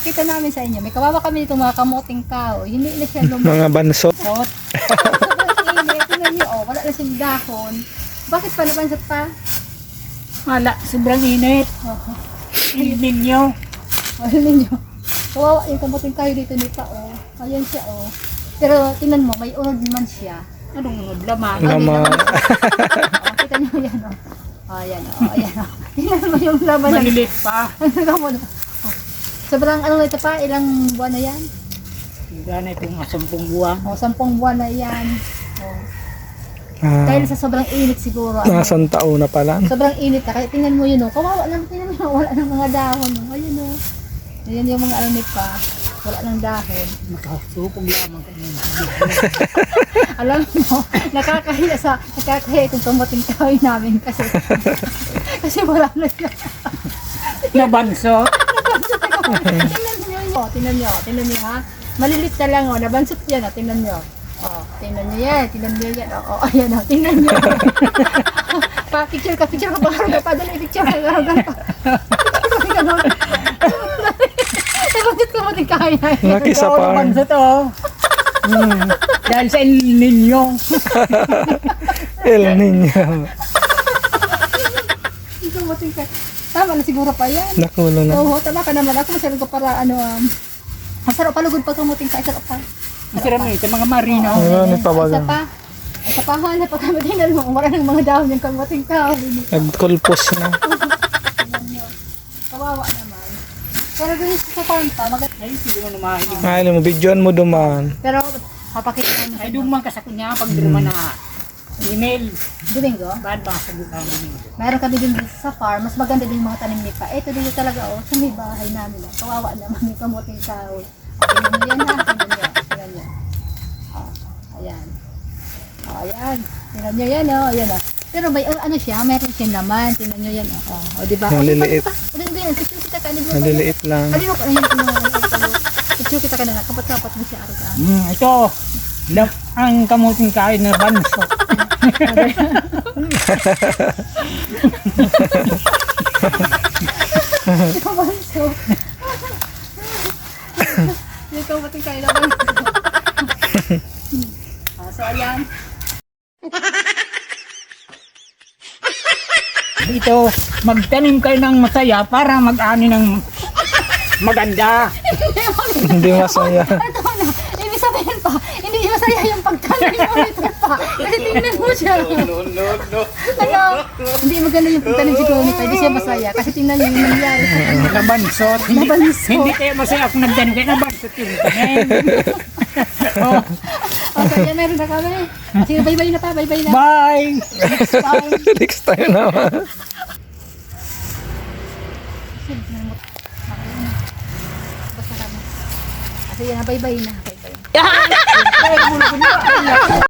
Pakita namin sa inyo. May kawawa kami dito mga kamuting kahoy. Hindi na siya Mga bansot. lumusot. Tingnan niyo, oh, wala na siyang dahon. Bakit pa nabansot pa? Wala, sobrang init. Init ninyo. Ano ninyo? Kawawa yung kamuting kahoy dito nito, oh. Ayan siya, oh. Pero tingnan mo, may unod naman siya. Anong laman? Naman. Oh, kita niyo yan, oh. Oh, ayan, oh. Ayan, oh. Tingnan mo yung laman ng... Malilit pa. Sobrang ano na ito pa, ilang buwan na yan? Wala na itong 10 buwan. O, 10 buwan na yan. O, Ah, dahil sa sobrang init siguro. Ano, nasang taon na pala. sobrang init na. Kaya tingnan mo yun, o. Kawawa lang, tingnan mo, wala ng mga dahon. O. Ayun, o. Ayan yung mga alamit pa. Wala ng dahon. Nakasupong lamang kami. Alam mo, nakakahiya itong tumating kahoy namin kasi kasi wala na siya. Nabanso. Tingnan nyo, ha. Malilit na lang, o. Nabansot yan, o. Tingnan nyo. O, tingnan nyo yan, o. Ayan, o. Tingnan nyo. Picture ka pa. Padala picture ka. Bakit ka mating kaya? Laki sa par. Nabanso to. Dahil sa El Nino. El Niño. Ikaw mating kaya. Tama na siguro pa yan. Nakulo na. Oo, tama ka naman. Ako masyadong ko para masarap palugod pa kumuting ka. Sarap pa. Masarap na ito, mga marino. Ano ni Isa pabaga? pa. Isa pa ha, na pag tingnan mo, wala ng mga dahon yung kamuting ka. Nagkulpos na. Kawawa naman. Pero dun sa farm pa, Ay, hindi mo na mahilig. Ay, mo videoan mo duman. pero papakita namin sa Ay, inyo. duman ka sa kunya pag duman na email. Domingo, Bad ba sa bukang domingo? mayroon kami din dito sa farm, mas maganda din yung mga tanim ni Pa. Ito dito talaga, oh, sa may bahay namin. Oh. Kawawa naman yung kamuting kahoy. Tingnan nyo yan ha, tingnan nyo. Oh, ayan. Oh, ayan. Tingnan nyo yan, oh, ayan, oh. Pero may ano siya, meron siyang laman. Tingnan nyo yan, oh. Oh, diba? Maliliit. Ganyan, picture kita ka. Maliliit lang. Alin mo, ayan, picture kita ka na nga. Kapat-kapat mo siya, Arga. Ito. Ang kamuting kain na banso. Ikaw ba so? Ikaw ba tingkay na ba? So, ayan. Dito, magtanim kayo ng masaya para mag-ani ng maganda. Hindi masaya. Ito na, ibig sabihin pa, hindi masaya yung pagtanim mo nito pa. Kasi tingnan mo siya. No. Ano, hindi maganda yung pagtanim siguro nito, hindi siya masaya. Kasi tingnan niyo yung nangyari sa kanya. Nabansot. Nabansot. Hindi kayo masaya kung nagtanim kayo. Nabansot yung tanim. Oh, Okay, yan meron na kami. Sige, bye-bye na pa, bye-bye na. bye! Next time. Next time naman. Basta kami. Kasi yan na, bye-bye na. Bye-bye.